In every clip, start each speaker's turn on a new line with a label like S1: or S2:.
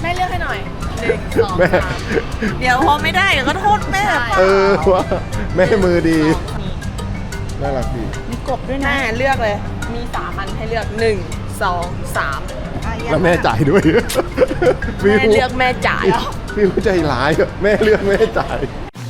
S1: ม่เลือกให้หน่อย1 2
S2: แม่
S1: 3เดี๋ยวพอไม่ได้เดี๋ยวก็โทษแม่
S2: ว่าแม่มือดีน่ารักดี
S1: มีกบด้วยนะแม่เลือกเลยมี3 อันให้เลือก1 2 3
S2: แล้วแม่จ่ายด้วย
S1: แม่เลือกแม่จ่ายเหรอ
S2: พี่ใจร้ายอะแม่เลือกแม่จ่าย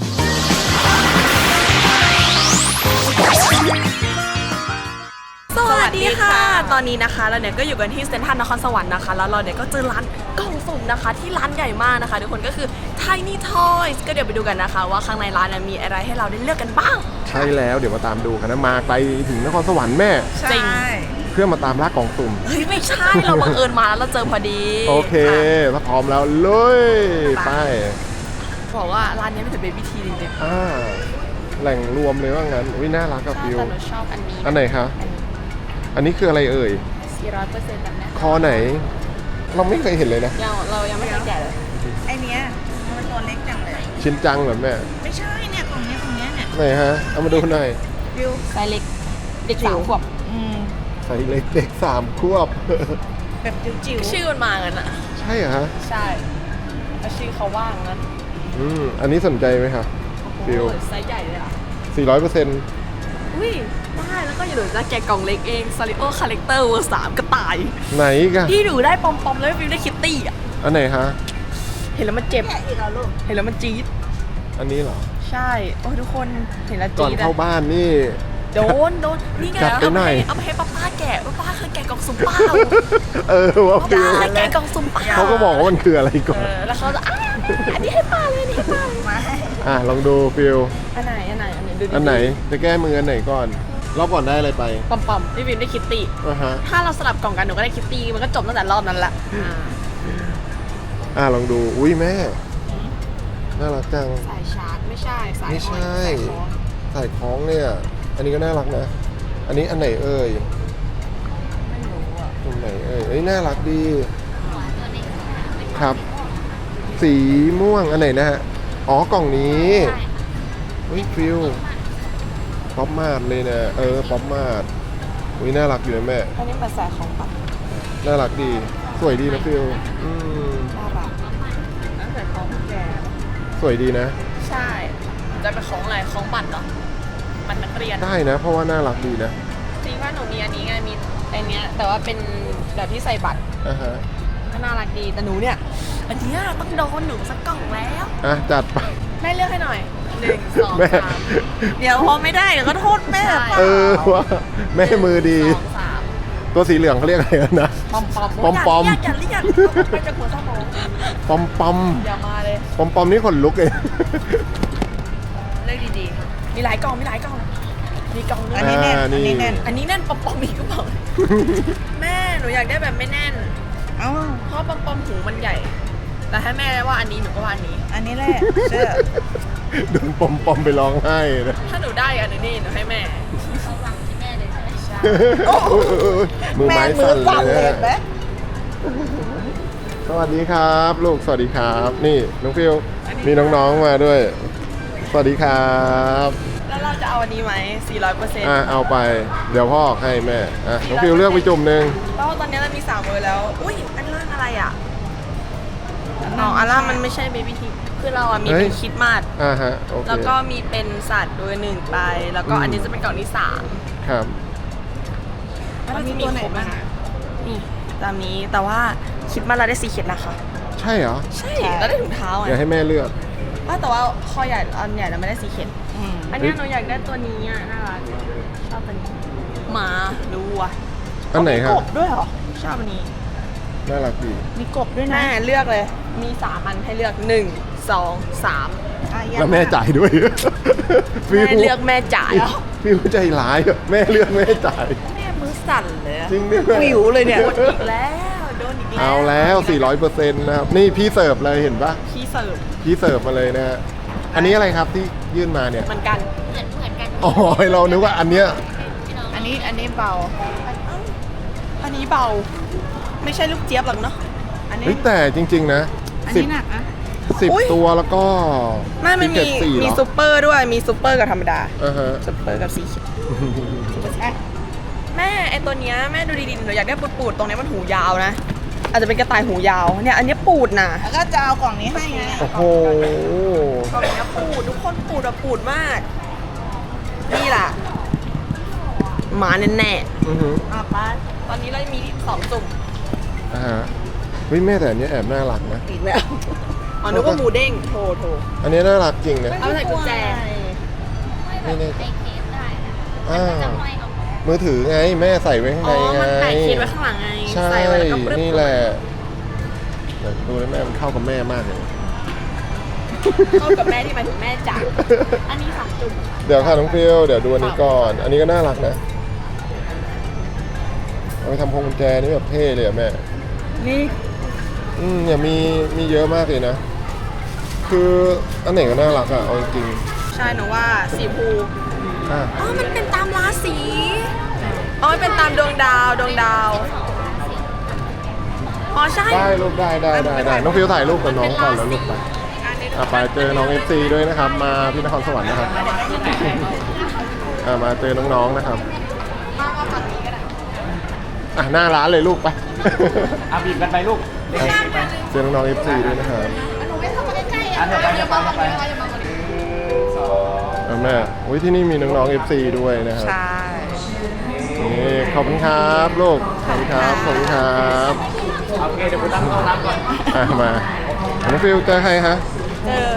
S1: สวัสดีค่ะตอนนี้นะคะเราเนี่ยก็อยู่กันที่เซ็นทรัลนครสวรรค์นะคะแล้วเราเนี่ยก็เจอร้านกล่องสุ่มนะคะที่ร้านใหญ่มากนะคะทุกคนก็คือ Tiny Toys ก็เดี๋ยวไปดูกันนะคะว่าข้างในร้านมีอะไรให้เราได้เลือกกันบ้าง
S2: ใช่แล้วเดี๋ยวมาตามดูกันนะมาไกลถึงนครสวรรค์แม่
S1: จริง
S2: เพื่อมาตามล่ากล่องสุ่ม
S1: เฮ้ยไม่ใช่เราบังเอิญมาแล้วเราเจอพอดี
S2: โอเคถ้าพร้อมแล้วเลยไป
S1: บอกว่าร้านนี้เป็นถึงเบบี้ทีจริง
S2: แหล่งรวมเลยว่างั้นวิน่ารักกับฟิว
S1: แต่หนูชอบอันนี้
S2: อันไหนคะอันนี้คืออะไรเอ่ย
S1: 400%แบบนี้
S2: คอไหน เราไม่เคยเห็นเลยนะ
S1: เรายังไม่เคยแกะเลย
S3: ไอเนี้ยมันตัวเล็กจังเลย
S2: ชินจังเหรอแม่
S3: ไม่ใช่เนี่ยตรงเนี้ยเนี่ย
S2: ไหนฮะเอามาดูหน่อย
S3: วิว
S1: ไซส์เล็กเด็ก3 ขวบ
S2: ใส่เล็กเด็ก3 ควบ
S3: แบบจิ๋วๆ
S1: ชื่อมันมางั้นอ่ะ
S2: ใช่เหรอฮะ
S1: ใช่แล้วชื่อเขาว่างงั้น
S2: อันนี้สนใจไหมคะฟิว
S1: ไซส์ใหญ่เลยอ่ะ
S2: 400%
S1: อุ้ยได้แล้วก็อย่าลืมจะแกะกล่องเล็กเองซาริโอคาแรคเตอร์เวอร์3กระต่าย
S2: ไหนกัน
S1: ที่หนูได้ปอมๆแล้วฟิวได้คิตตี้อ่ะ
S2: อันไหนฮะ
S1: เห็นแล้วมันเจ็บ
S3: แกะอีกแล้วลูก
S1: เห็นแล้วมันจี๊ด
S2: อันนี้เหรอ
S1: ใช่โอ้ยทุกคนเห็นแล้ว
S2: ก่อน
S1: จี๊ด
S2: เข้าบ้านนี่
S1: โดนนี่ไง
S2: จัดไปหน่อย
S1: เอาไปให้ป้าแกะป้าเคยแกะกล่องสุ่มเปล่า
S2: ว่าฟิว
S1: ป้าเคยแกะกล่องสุ่มเปล่า
S2: เขาก็บอกว่ามันคืออะไรก่อน
S1: แล้วเขาจะอันนี้ให้ป้าเลยอันนี้ให้ป้าเลย
S3: มา
S2: ลองดูฟิว
S1: อันไหนดูดิ
S2: อันไหนจะแก้มืออันไหนก่อนรอบก่อนได้อะไรไป
S1: ปอมพี่วินได้คิตตี้
S2: ฮะ
S1: ถ้าเราสลับกล่องกันหนูก็ได้คิตตี้มันก็จบตั้งแต่รอบนั้นละ
S2: ลองดูอุ้ยแม่น่ารักจัง
S1: สายชาร์จไม่ใช่สาย
S2: ไม่ใช่
S1: สายคล้อง
S2: ใส่คล้องเนี่ย อันนี้ก็น่ารักนะ อันนี้อันไหนเอ่ย
S1: ไม่รู้อ่ะ
S2: ตรงไหนเอ่ยเอ้ยน่ารักดีครับ สีม่วงอันไหนนะฮะอ๋อกล่องนี้เฮ้ยฟิวป๊อปมาดเลยนะป๊อปมาดอุ้ยน่ารักอยู่นะแม่
S1: อันนี้เป็นสายของปัด
S2: น่ารักดีสวยดีนะฟิว
S1: น่ารักนั่นสายของแก
S2: สวยดีนะ
S1: ใช่จะเป็นของอะไรของบัตรเหรอบัตรนักเรียน
S2: ได้นะ เพราะว่าน่ารักดีนะ
S1: จริงว่าหนูมีอันนี้ไงมีอันเนี้ยแต่ว่าเป็นแบบที่ใส่บัตร
S2: ฮะ
S1: ก็น่ารักดีแต่หนูเนี่ยอันเนี้ยต้องโดนหนูสักกล่องแล้ว
S2: จัดไป
S1: แม่เลือกให้หน่อย1 2
S2: แม่
S1: 3เดี๋ยวพอไม่ได้เดี๋ยวก็โทษแม่
S2: ว่าแม่มือดี
S1: 2 3
S2: ตัวสีเหลืองเขาเรียกอะไรนะ
S1: ปอม
S2: ปอม
S1: อย่าเรียกไปจากหัวสมอง
S2: ปอมปอม
S1: อย่ามาเลย
S2: ปอมปอมนี่ขนลุกเลย
S1: เลือกดีๆมีหลายกล่องมีกล่องนึง
S3: อันนี้แน่น อันนี้แน่น
S1: อันนี้แน่นปอมอีกก็เปล่าแม่หนูอยากได้แบบไม่แน่น
S3: เอ้า
S1: เพราะปอมหูมันใหญ่ แต่ถ้าแม่ว่าอันนี้หนูก็ว่าอันนี้
S3: อันนี้แหละเชื่อ
S2: โดนปอมปอมไปร้องไห้นะ
S1: ถ้าหนูได้อันนี้หนูให้แม่เขาวางที่แม่เลยใช่
S2: มือ
S3: แม่
S2: ไม้
S3: มือ
S2: สั่น
S3: สั่น
S2: เล
S3: เลย ย
S2: นะ
S3: เห็นไหม
S2: สวัสดีครับ ลูกสวัสดีครับ นี่น้องฟิวมีน้องๆมาด้วย สวัสดีครับ
S1: แล้วเราจะเอาอันนี้ไหม400%
S2: เอาไป เดี๋ยวพ่อให้แม่น้องฟิวเลือกไปจุ่มหนึ่ง
S1: แล้วตอนนี้เรามี3 เวอร์แล้ว อุ้ยอันล่างอะไรอ่ะอันล่างมันไม่ใช่เบบี้ทีคือเราอ่ะมีเป็นคิดมาส
S2: ฮะโอเค
S1: แล้วก็มีเป็นสัตว์ด้วย1ไปแล้วก็อันนี้จะเป็นกล่องที่3
S2: ครับ
S1: มันมีตัวไหนบ้างนี่ตามนี้แต่ว่าคิดมาเราได้สีเขียนนะคะ
S2: ใช่เหรอ
S1: ใช่เราได้ถุงเท้าไง
S2: เดี๋ยวให้แม่เลือก
S1: แต่ว่าคอใหญ่อันใหญ่เราไม่ได้สีเขียนอันนี้หนูอยากได้ตัวนี้อ่ะน่ารักชอบตัวนี้หมาดูอ่ะ
S2: อันไหนครับ
S1: กบด้วยเหรอชอบอันนี้
S2: น่ารักดี
S3: มีกบด้วยนะ
S1: แม่เลือกเลยมี3 อันให้เลือก1 2 3
S2: แล้วแม่จ่ายด้วย
S1: แม่เลือกแม่จ่ายเหรอ
S2: ฟิวใจร้ายอะแม่เลือกแม่จ่าย
S1: แม่มือสั่นเลยอะ
S2: จริงดิ
S3: วิวเลยเนี่ย
S1: โดนอีกแล้วโดนอีกแล้ว
S2: เอาแล้ว 400%นะครับ นี่พี่เสิร์ฟเลยเห็นปะ
S1: พี่เสิร์ฟ
S2: พี่เสิร์ฟมาเลยนะฮะ อันนี้อะไรครับที่ยื่นมาเนี่ย
S1: เหมือนกันเหมือนกัน
S2: อ๋อเรานึกว่าอันเนี้ย
S3: อันนี้เบา
S1: อันนี้เบา ไม่ใช่ลูกเจี๊ยบหรอกเนาะ
S3: อันนี้
S2: เฮ้ยแต่จริง ๆ นะ
S3: อัน
S2: สิบ
S3: นี้หนักนะ
S1: อุ๊ย
S2: 10 ตัวแล้วก็
S1: ไม่มันมี
S2: 4
S1: มี
S2: เหรอ
S1: ซูเปอร์ด้วยมีซูเปอร์กับธรรมดา
S2: ฮะ
S1: ซูเปอร์กับสีเขียว
S3: อ่ะ
S1: แม่ไอตัวเนี้ยแม่ดูดีๆหนูอยากได้ปูดๆตรงเนี้ยมันหูยาวนะอาจจะเป็นกระต่ายหูยาวเนี่ยอันนี้ปูดนะ
S3: แล้วก็จะเอากล่องนี้ให้ไง
S2: โอ้โห
S1: กล่องนี้ปูดทุกคนปูดแบบปูดมากนี่ล่ะหมาแน่
S2: อือหือ
S1: ๆไปตอนนี้เรามี2จุ่ม
S2: อ่าฮะเฮ้ยแม่แต่อันนี้แอบน่ารักนะ
S1: อีกแล้วอ๋อนึกว่าหมูเด้งโถ
S2: อันนี้น่ารักจริงนะ
S1: เอาใส่กุญแจ
S2: ไม่แน่ใจอ่ามือถือไงแม่ใส่ไว้ข้าง
S1: อ๋
S2: ใน
S1: อ
S2: ไง
S1: มันแปะเคสไว้ข้างหลังไง
S2: ใช่
S1: ใส่ไว้แล้วก็ปรึ๊บ
S2: นี่แหละเดี๋ยวดูแล้วแม่มันเข้ากับแม่มากเลย
S1: เข้ากับแม่ที่หมายถึงแม่จ๋าอันนี้2จุ่ม
S2: เดี๋ยวค่ะน้องฟิลเดี๋ยวดูอันนี้ก่อน อันนี้ก็น่ารักนะเอาไปทำพวงกุญแจนี่แบบเท่เลยอะแม่
S3: นี่
S2: เนี่ยมีเยอะมากเลยนะ คืออันไหนก็น่ารักอะเอาจริง
S1: ใช่หนูว่าสีภู
S2: ๆอ่ะ
S1: อ๋อมันเป็นตามราศีอ๋อมันเป็นตามดวงดาวอ๋อใช่
S2: ได้ลูกได้น้องฟิลถ่ายรูปกับน้องก่อนแล้วลูกไปไปเจอน้อง FC ด้วยนะครับ มาที่นครสวรรค์นะครับมาเจอน้องๆนะครับหน้าร้านเลยลูกไป
S4: บีบกันไปลูก
S2: เจอน้องๆ FC ด้วยนะครับ
S4: อันเดี๋ยวไปเดี๋ยวไป
S2: แม่โอ้ยที่นี่มีน้องๆ FC ด้วยนะครับ
S3: ใช่
S2: นี่ขอบคุณครับลูกขอบคุณครับ
S4: โอเคเดี๋ยวผมตั้งห้องน้ำก่อน
S2: มาน้องฟิลเจอใครฮะ
S1: เจอ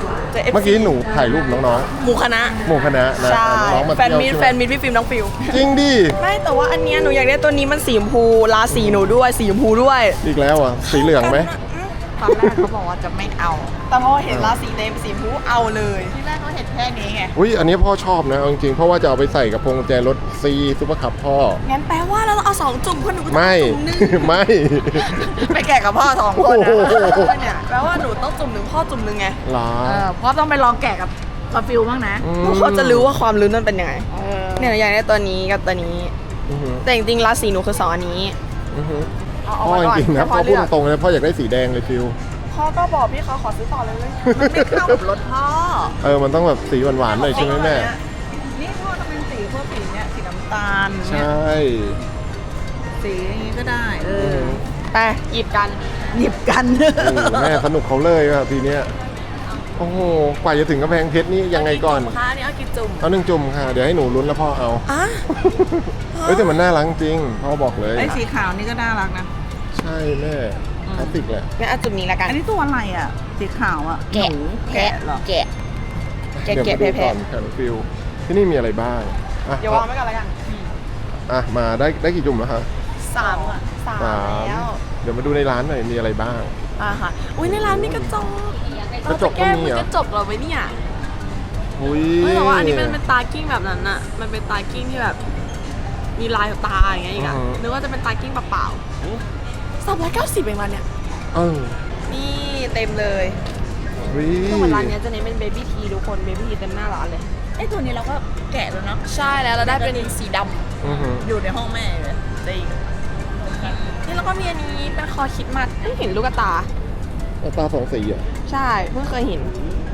S1: FC
S2: เมื่อกี้หนูถ่ายรูปน้อง
S1: หมู่คณะ
S2: ๆหมู่คณะนะ
S1: ใช่
S2: น้องๆมา
S1: แฟน
S2: เที่ยว
S1: มิต
S2: ใช่ไห
S1: แฟนมิตพี่ฟิล์มน้องฟิล
S2: จริงดิ
S1: ไม่แต่ว่าอันเนี้ยหนูอยากได้ตัวนี้มันสีชมพูราศีหนูด้วยสีชมพูด้วย
S2: อีกแล้วอ่ะสีเหลืองไหม
S3: ตอนแรกเขาบอกว่าจะไม่เอา
S1: แต่พอเห็นราศีเต็มสีชมพูเอาเลย
S3: ที่แรกเขาเห็นแค่นี้ไง
S2: อุ้ยอันนี้พ่อชอบนะเอาจริงๆเพราะว่าจะเอาไปใส่กับพวงกุญแจรถซีซุปเปอร์คับพ่อ
S1: งั้นแปลว่าเราเอา2จุ่มคนหนูก็ต้อง
S2: ไม่
S1: จุ่มหนึง
S2: ไม่
S3: ไปแกะกับพ่อ2 คนนะ
S2: โอ้โห
S1: เนี่ยแปลว่าหนูต้องจุ่มหนึ่งพ่อจุ่มหนึ่งไง
S2: หรอ
S3: พ่อต้องไปลองแกะกับฟิลบ้างนะ
S1: เขาจะรู้ว่าความลุ้นมันเป็นยังไง
S3: เออ
S1: เนี่ยหนูอยากได้ตัวนี้กับตัวนี้
S2: อือหือ
S1: แต่จริงๆราศีหนูคือ2อันนี้
S2: อือหือ
S1: เอา
S2: พ่อ
S1: ไว้
S2: จ
S1: ก่อน
S2: ริงๆนะ
S1: ให้
S2: พ่อพู
S1: เลื
S2: ด
S1: อก
S2: ตรงๆเลยพ่ออยากได้สีแดงเลยฟิล
S1: พ่อก็บอกพี่เขาขอซื้อต่อเลย
S3: มันไม่เข้ากับรถพ่อ
S2: มันต้องแบบสีหวานๆหน่อยใช่ไหมแม่
S3: นี่พ่อต้องเป็นสีพวกสีเนี้ยสีน้ำตาล
S2: ใช
S3: เนี่ย่ สีอย่างนี้ก็ได้
S2: อือหือ
S1: ไปหยิบกัน
S3: หยิบกัน
S2: แม่สนุกเขาเลยว่ะทีเนี้ยโอ้โหกว่าจะถึงกำแพงเพชรนี่ยังไงก่อน
S1: คะอันนี้เอากี่จุ่ม
S2: เอา1 จุ่มค่ะ เดี๋ยวให้หนูลุ้นแล้วพ่อเอา
S1: อ่ะ
S2: เฮ้ยแต่มันน่ารักจริงพ่อบอกเลย
S3: ไอ้สีขาวนี่ก็น่ารักนะ
S2: ใช่แม่คลาสสิกแหละ
S1: งั้นเอาจุ่มนี้ละกัน
S3: อันนี้ตัวอะไรอ่ะ สีขาวอ่ะ
S1: แกะ
S3: หนูแกะเหรอ
S1: แกะ
S2: เดี๋ยว
S1: แกะ
S2: มาดู
S1: แพ
S2: ก่อง นค่ะน้องฟิลที่นี่มีอะไรบ้างอ่ะ
S1: ๆเดี๋ยววางไว้ก่อนละกัน
S2: มาได้กี่จุ่มแล้วคะ
S1: สามแล้ว
S2: เดี๋ยวมาดูในร้านหน่อยมีอะไรบ้าง
S1: ค่ะอุ้ยในร้านมีกระจก
S2: กระจกก็มีเหรอ
S1: กระจกเหรอไว้เนี่ย
S2: อุ้ย
S1: แต่ว่าอันนี้มันเป็นตากิ้งแบบนั้นอะมันเป็นตากิ้งที่แบบ มีลายตาอย่างเงี้ยอีกอะนึกว่าจะเป็นตากิ้งเปล่าๆ390เองวันเนี่ย
S2: เออ
S1: นี่เต็มเลย
S2: อุ้ย
S1: คือเหมือนร้านเนี้ยจะเน้นเป็นเบบี้ทีทุกคนเบบี้ทีเต็มหน้าร้านเลย
S3: ไอ้ตัวนี้เราก็แกะแล้วเนาะ
S1: ใช่แล้วเราได้เป็นสีด
S2: อือหือ
S3: อยู่ในห้องแม่เลยจริง
S1: ำนี่แล้วก็มีอันนี้เป็นคอคิดมัดเห็นลูกตา
S2: ตาสองสีอ่ะ
S1: ใช่เพิ่งเคยเห็น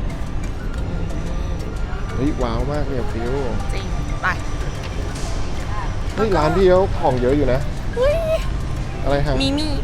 S2: เฮ้ยว้าวมากเลยอะฟิล
S3: จริง ไป
S2: เฮ้ยร้านพี่เขาของเยอะอยู่นะ
S1: เฮ้ย
S2: อะไรครับ
S1: มีมี่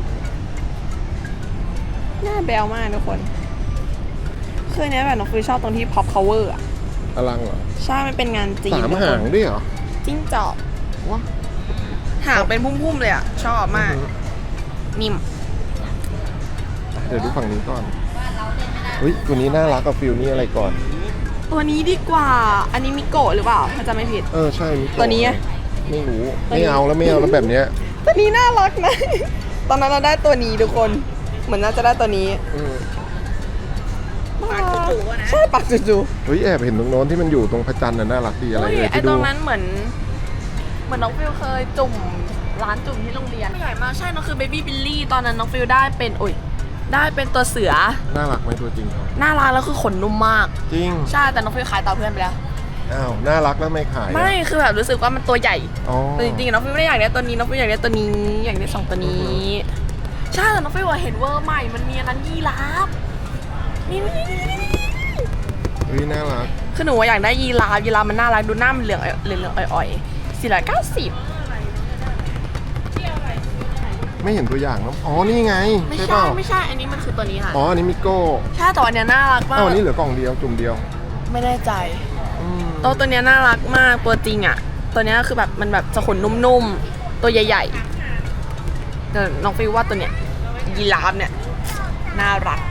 S1: หน้าแบลมากทุกคนคือเนี้ยแบบน้องฟิวชอบตรงที่ pop cover อะ
S2: อลังเหรอ
S1: ใช่มันเป็นงานจีน
S2: 3
S1: ทุกคน
S2: หางด้วยเหรอ
S1: จิ้งจอก
S2: ว้า
S1: หางเป็นพุ่มๆเลยอะชอบมาก นิ่ม
S2: เดี๋ยวดูฝั่งนี้ก่อนเฮ้ยตัวนี้น่ารักกับฟิลนี่อะไรก่อน
S1: ตัวนี้ดีกว่า อันนี้มิโกะหรือเปล่าถ้าจำไม่ผิด
S2: ใช่มิโกะ
S1: ตัวนี้อะ
S2: ไม่รู้
S1: ตัวนี้
S2: ไม่เอาแล้วแบบเนี้ย
S1: ตัวนี้น่ารักนะ ตอนนั้นเราได้ตัวนี้ทุกคน เหมือนน่าจะได้ตัวนี้
S2: อืม
S3: ปากจู่ๆอะนะ
S1: ใช่ปากจู่
S2: เฮ้ยแอบเห็นตรงโน้นที่มันอยู่ตรงพระจันทร์น่ะน่ารักดี
S1: ๆ
S2: อะไร
S1: เฮ้ย
S2: เอ่ย
S1: ไอ
S2: ที่
S1: ต
S2: ดู
S1: รงนั้นเหมือนน้องฟิลเคยจุ่มร้านจุ่มที่โรงเรียนใหญ่มากใช่น้องคือเบบี้บิลลี่ตอนนั้นน้องฟิลได้เป็นได้เป็นตัวเสือ
S2: น่ารักไหมตัวจริงเขา
S1: น่ารักแล้วคือขนนุ่มมาก
S2: จริง
S1: ใช่แต่น้องฟิลขายต่อเพื่อนไปแล้ว
S2: อ้าวน่ารักแล้วไม่ขายอะ
S1: ไม่คือแบบรู้สึกว่ามันตัวใหญ่
S2: อ๋อ
S1: แต่จริงๆน้องฟิลไม่ได้อยากได้ตัวนี้น้องฟิลอยากได้ตัวนี้อยากได้2ตัวนี้ ใช่แต่น้องฟิลเห็นเวอร์ใหม่มันมีอันนั้นยีราฟนี่
S2: เฮ้ยน่ารัก
S1: คือหนูว่าอยากได้ยีราฟมันน่ารักดูหน้ามันเหลืองอ่อยๆ490
S2: ไม่เห็นตัวอย่างนะอ๋อนี่ไง
S1: ไม่
S2: ใช่
S1: ใช่
S2: เปล่า
S1: ไม่ใช่อันนี้มันคือตัวนี้ค่ะ
S2: อ๋ออันนี้มิโก้
S1: ใช่แต่อันเนี้ยน่ารักมาก
S2: อ้าวอันนี้เหลือกล่องเดียวจุ่มเดียว
S1: ไม่แน่ใจ
S2: อืม
S1: ตัวเนี้ยน่ารักมากตัวจริงอ่ะตัวเนี้ยคือแบบมันแบบจะขนนุ่มๆตัวใหญ่ๆแต่น้องฟิวว่าตัวเนี้ยยีราฟเนี่ยน่ารัก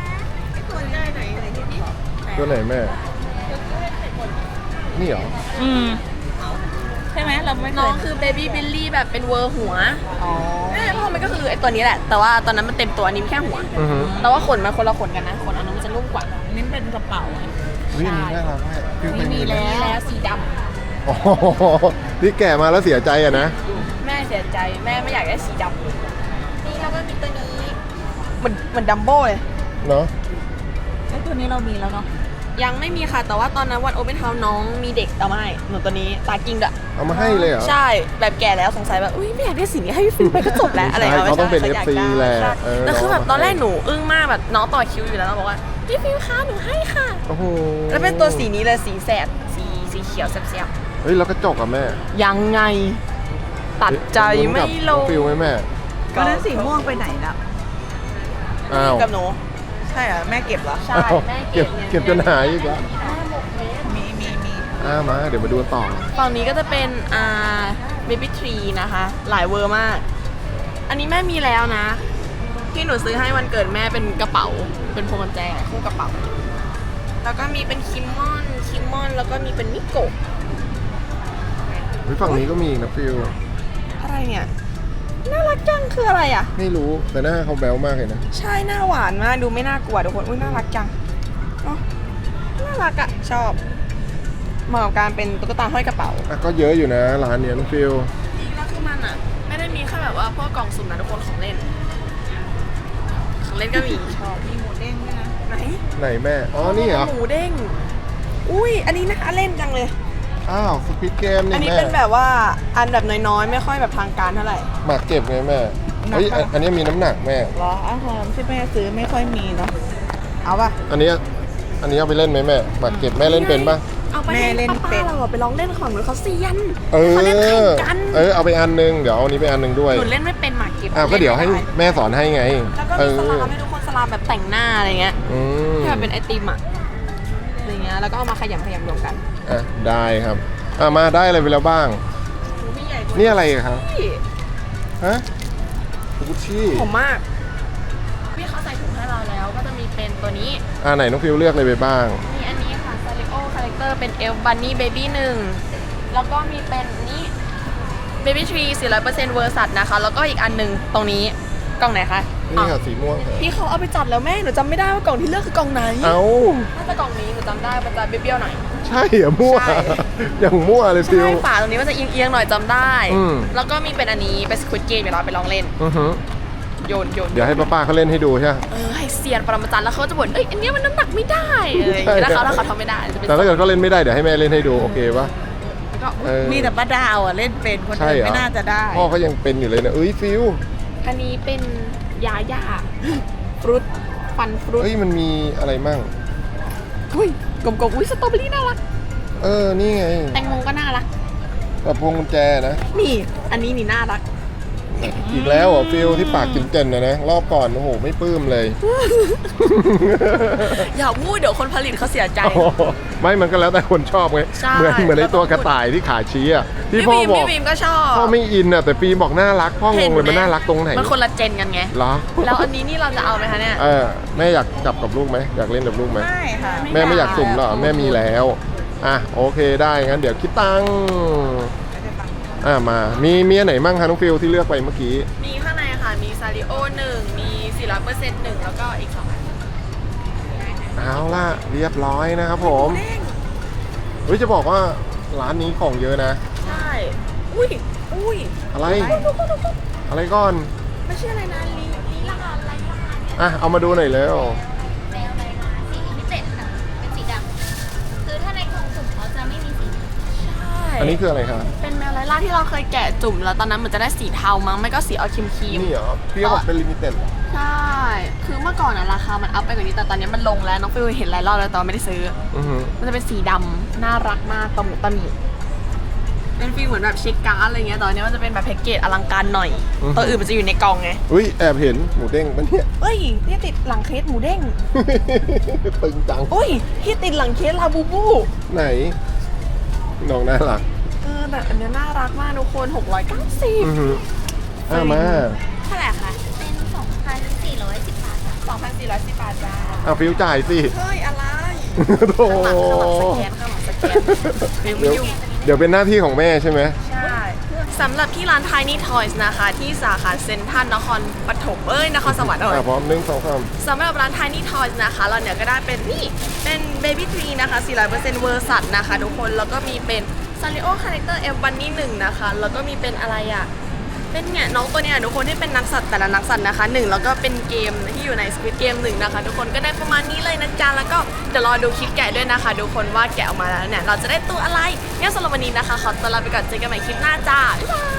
S2: ตัวไหนแม่ นี่เหรอ
S3: ใช่ไหมเราไม่เค
S1: น้อง
S3: ย
S1: คือเบบี้บิลลี่แบบเป็นเวอร์หัว
S3: อ๋อ
S1: เพราะมันก็คือไอตัวนี้แหละ แต่ว่าตอนนั้นมันเต็มตัวอันนี้แค่หัว
S2: อือฮึ
S1: แต่ว่าขนมันคนละขนกันนะขนอันนั้นมันจะนุ่มกว่า
S3: นี่เป็นกระเป๋าไง
S2: วิอันนี้น่ารักมากฟิวเคย
S1: มี
S2: ไห
S1: แล้วสีด
S2: อ๋อที่แก่มาแล้วเสียใจอะนะ
S1: ำแม่เสียใจแม่ไม่อยากได้สีดำนี่แล้วก็มีตัวนี้เหมือนดัมโบ้เลย
S2: เนาะ
S3: ไอ้ตัวนี้เรามีแล้วเนาะ
S1: ยังไม่มีค่ะแต่ว่าตอนนั้นวันโอเปนเฮาส์น้องมีเด็กเอามาให้หนูตัวนี้ตากิ้งด้วย
S2: เอามาให้เลยเหรอ
S1: ใช่แบบแก่แล้วสงสัยแบบอุ้ยไม่อยากได้สีนี้ให้พี่ฟิลไปก็จบแล้วอะไร
S2: ใช่เขาต้องเป็น
S1: ไม่ใช่
S2: FC แหละ
S1: ใช่
S2: เออ
S1: แล้วคือแบบ
S2: เอามา
S1: ตอนแรก
S2: ให้
S1: หนูอึ้งมากแบบน้องต่อคิวอยู่แล้วแล้วบอกว่าพี่ฟิลคะหนูให้ค่ะ
S2: โอ้โห
S1: แล้วเป็นตัวสีนี้เลยสีแสดสีเขียวแซ่บ
S2: เฮ้ยแล้วกระจกอะแม่
S1: ๆยังไง ตัดใจไม่ลง
S2: ฟิลไหมแม่
S3: ก็นั้นสีม่วงไปไหนแล้ว
S2: อ้าว
S1: กับหนู
S3: ใช่เหรอแม่เก็บเหรอ
S1: ใช่
S2: อ้าว
S1: แม่
S2: เก็บ
S1: นี่ย
S2: เก็บจนหายอีกแล้ว
S3: มี
S2: มาเดี๋ยวมาดูกันต่อ
S1: ฝั่งนี้ก็จะเป็นเบบี้ทรีนะคะ หลายเวอร์มาก อันนี้แม่มีแล้วนะ ที่หนูซื้อให้วันเกิดแม่เป็นกระเป๋า เป็นพวงกุญแจคู่กระเป๋า แล้วก็มีเป็นคิมมอนแล้วก็มีเป็นมิโกะ
S2: เฮ้ยฝั่งนี้ก็มีอีกนะฟิล
S1: อะไรเนี่ย น่ารักจังคืออะไรอ่ะ
S2: ไม่รู้แต่หน้าเขาแบ๊วมากเลยนะ
S1: ใช่หน้าหวานมากดูไม่น่ากลัวทุกคนอุ้ยน่ารักจังเนาะน่ารักอะชอบเหมาะกับการเป็นตุ๊กตาห้อยกระเป๋า
S2: อ่ะก็เยอะอยู่นะร้านเนี้ยน้องฟิล
S1: แล้วคือมันอะไม่ได้มีแค่แบบว่าพวกกล่องสุ่มนะทุกคนของเล่นก็มีชอบ
S3: มีหมูเด้งด้วยนะ
S1: ไหน
S2: ไหนแม่อ๋อนี่เหรอ
S1: หมูเด้งอุ้ยอันนี้น่าเล่นจังเลย
S2: อ้าวสปิดเกม
S1: อัน
S2: นี่
S1: นี้
S2: แม่
S1: เป็นแบบว่าอันแบบน้อยๆ ไม่ค่อยแบบทางการเท่าไหร่
S2: หมากเก็บไงแม่เฮ้ยอันนี้มีน้ำหนักแม่
S3: เหรออาหารที่แม่ซื้อไม่ค่อยมีเนาะเอาป่ะ
S2: อันนี้เอาไปเล่นไหมแม่หมากเก็บแม่เล่นเป็นปะ
S1: เอาไป
S3: แม่เล่นเป็
S1: ป้าน เราอะไปลองเล่นของหนูเขาเซียน
S2: เออ
S1: เขาเล่นแข่งกัน
S2: เอาไปอันนึงเดี๋ยวเอาอันนี้ไปอันนึงด้วย
S1: หนูเล่นไม่เป็นหมากเก็บ
S2: อ้าวก็เดี๋ยวให้
S1: ล่นไม่ไ
S2: แม่สอนให้ไง
S1: แล้วก็มีสลามให้ทุกคนสลามแบบแต่งหน้าอะไรเงี้ย
S2: อืม
S1: ที่แบบเป็นไอติมอะอะไรเงี้ยแล้วก็เอามาขยำรวมกัน
S2: อ่ะได้ครับมาได้อะไรไปแล้วบ้าง
S1: พี่ใหญ่
S2: นี่อะไรครับ
S1: พี่
S2: ฮะกุชชี่
S1: ผมมากพี่เขาใส่ถุงให้เราแล้วก็จะมีเป็นตัวนี้
S2: ไหนน้องฟิวเลือกอะไรไปบ้าง
S1: มีอันนี้ค่ะ Sario Character เป็น Elf Bunny Baby 1 แล้วก็มีเป็นนี้ Baby Tree 400% เวอร์สัตนะคะ แล้วก็อีกอันหนึงตรงนี้กล่องไหนคะ
S2: นี่
S1: อ๋อ
S2: ค่ะสีม่วงค่ะ
S1: พี่เขาเอาไปจัดแล้วแม่ หนูจำไม่ได้ว่ากล่องที่เลือกคือกล่องไหน
S2: เอา
S1: น่าจะกล่องนี้หนูจำได้มันจะเบี้ยวๆหน่อย
S2: ใช่เหรอมั่ว
S1: ใช่
S2: อย่างมั่วเลยฟิว
S1: ใช่ฝาตรงนี้มันจะเอียงๆหน่อยจำได้
S2: อืม
S1: แล้วก็มีเป็นอันนี้เป็น Squid Game เดี๋ยวเราไปลองเล่น
S2: อือฮึ
S1: โยน
S2: เดี๋ยวให้ป้าๆเขาเล่นให้ดูใช่ไหม
S1: ให้เซียนปรมาจารย์แล้วเขาจะบ่นเอ้ยอันเนี้ยมันน้ำหนักไม่ได้อะไรอย่างเงี้ยแล้วเขาทำไม่ได้จะเป็น
S2: แต่ถ้าเกิดเขาเล่นไม่ได้เดี๋ยวให้แม่เล่นให้ดูโอเคปะ
S1: แล้วก็
S2: เออ
S3: มีแต่ป้าดาวอ่ะเล่นเป็นคน
S2: ใช่
S3: อื่น
S2: เหรอ
S3: ไม่น่าจะได้
S2: พ่อเขายังเป็นอยู่เลยนะเอ้ยฟิว
S1: อันนี้เป็นยาย่าฟรุตฟันฟรุต
S2: เฮ้ยมันมีอะไรมั่ง
S1: อุ้ยกลมๆอุ้ยสตรอเบอรี่น่ารัก
S2: นี่ไง
S1: แตงโมก็น่ารัก
S2: แบบพวงกุญแจนะ
S1: นี่ อันนี้นี่น่ารัก
S2: อีกแล้วเหรอฟิลที่ปากกินเจนนะรอบก่อนโอ้โหไม่ปลื้มเลย
S1: อย่าพูดเดี๋ยวคนผลิตเขาเสียใจ
S2: ไม่มันก็แล้วแต่คนชอบไง
S1: ใช่
S2: เหมือนไอตัวกระต่ายที่ขาชี้อ่ะที่
S1: พี่
S2: พ่อ
S1: บีม
S2: บอก
S1: พี่บีมก็ชอบ
S2: พ่อไม่อินอ่ะแต่ฟิล์มบอกน่ารักพ่องงเลยมันน่ารักตรงไหน
S1: มันคนละเจนกันไง
S2: เหรอ
S1: แล้วอันนี้นี่เราจะเอาไหมคะเนี่ย
S2: แม่อยากจับกับลูกไหมอยากเล่นกับลูกไหม
S3: ไม่ค่ะ
S2: แม่ไม่อยากสุ่มหรอแม่มีแล้วโอเคได้งั้นเดี๋ยวคิดตังค์มามีอันไหนมั่งคะน้องฟิลที่เลือกไปเมื่อกี้
S1: มีข้างในค่ะ มีซาริโอ1 มี 400% 1 แล้วก็อีก2อัน
S2: เอาล่ะเรียบร้อยนะครับผมเฮ้ยจะบอกว่าร้านนี้ของเยอะนะ
S1: ใช่ อุ้ย
S2: อะไรอะไรก่อน
S1: ไม่ใช่อะไรนะลีลาอะไร
S2: เอามาดูหน่อยแล้ว
S5: แมวอะไรนะสีพิเศษค่ะเป็นสีดำคือถ้าในกล่องสุ่มเขาจะไม่มีสี
S1: ใช่
S2: อันนี้คืออะไรคะ
S1: เป็นแมวไลล่าที่เราเคยแกะจุ่มแล้วตอนนั้นมันจะได้สีเทามั้งไม่ก็สีออกครีม
S2: นี่เหรอพี่เขาบอกเป็นลิมิเต็ด
S1: ใช่ คือเมื่อก่อนอะราคามันอัพไปกว่านี้แต่ตอนนี้มันลงแล้วน้องฟิวเห็นหลายรอบแล้วแต่ว่าไม่ได้ซื้อ มันจะเป็นสีดำน่ารักมากตะหมุตะหมิเป็นฟีลเหมือนแบบเช็คการ์ดอะไรเงี้ยตอนนี้มันจะเป็นแบบแพ็กเกจอลังการหน่อย ตัวอื่นมันจะอยู่ในกล่องไง
S2: อุ้ยแอบเห็นหมูเด้งปะเนี่ย
S1: เอ้ยที่ติดหลังเคสหมูเด้ง
S2: ตึงจัง
S1: อุ้ยที่ติดหลังเคสลาบูบู
S2: ไหนน้องน่ารัก
S1: แต่อันเนี้ยน่ารักมากทุกคน 690
S2: อือหือมา
S1: เท่าไหร่คะ
S5: เป็น 2,410 บาทค่ะ
S1: 2,410 บาทจ้า
S2: เอาฟิวจ่ายสิ
S1: เฮ้ยอะไร
S2: โธ่
S1: ข้างหลังสแกนฟิลไม่ยุ่ง
S2: เดี๋ยวเป็นหน้าที่ของแม่ใช่ไหม
S1: ใช่สำหรับที่ร้าน Tiny Toys นะคะ ที่สาขาเซ็นทรัลนครปฐมนครสวรรค์
S2: พร้อม1 2 3
S1: สำหรับร้าน Tiny Toys นะคะเราเนี่ยก็ได้เป็นนี่เป็น Baby Tree นะคะ 400% เวอร์สัตนะคะทุกคนแล้วก็มีเป็น Sanrio Character M Bunny 1นะคะแล้วก็มีเป็นอะไรอ่ะเป็นเนี่ยน้องตัวเนี้ยทุกคนที่เป็นนักสัตว์แต่ละนักสัตว์นะคะ1แล้วก็เป็นเกมที่อยู่ใน Squid Game 1นะคะทุกคนก็ได้ประมาณนี้เลยนะจ๊ะแล้วก็เดี๋ยวรอดูคลิปแกะด้วยนะคะทุกคนว่าแกะออกมาแล้วเนี่ยเราจะได้ตัวอะไรงั้นสำหรับวันนี้นะคะขอตัวลาไปก่อนเจอกันใหม่คลิปหน้าจ้าบ๊ายบาย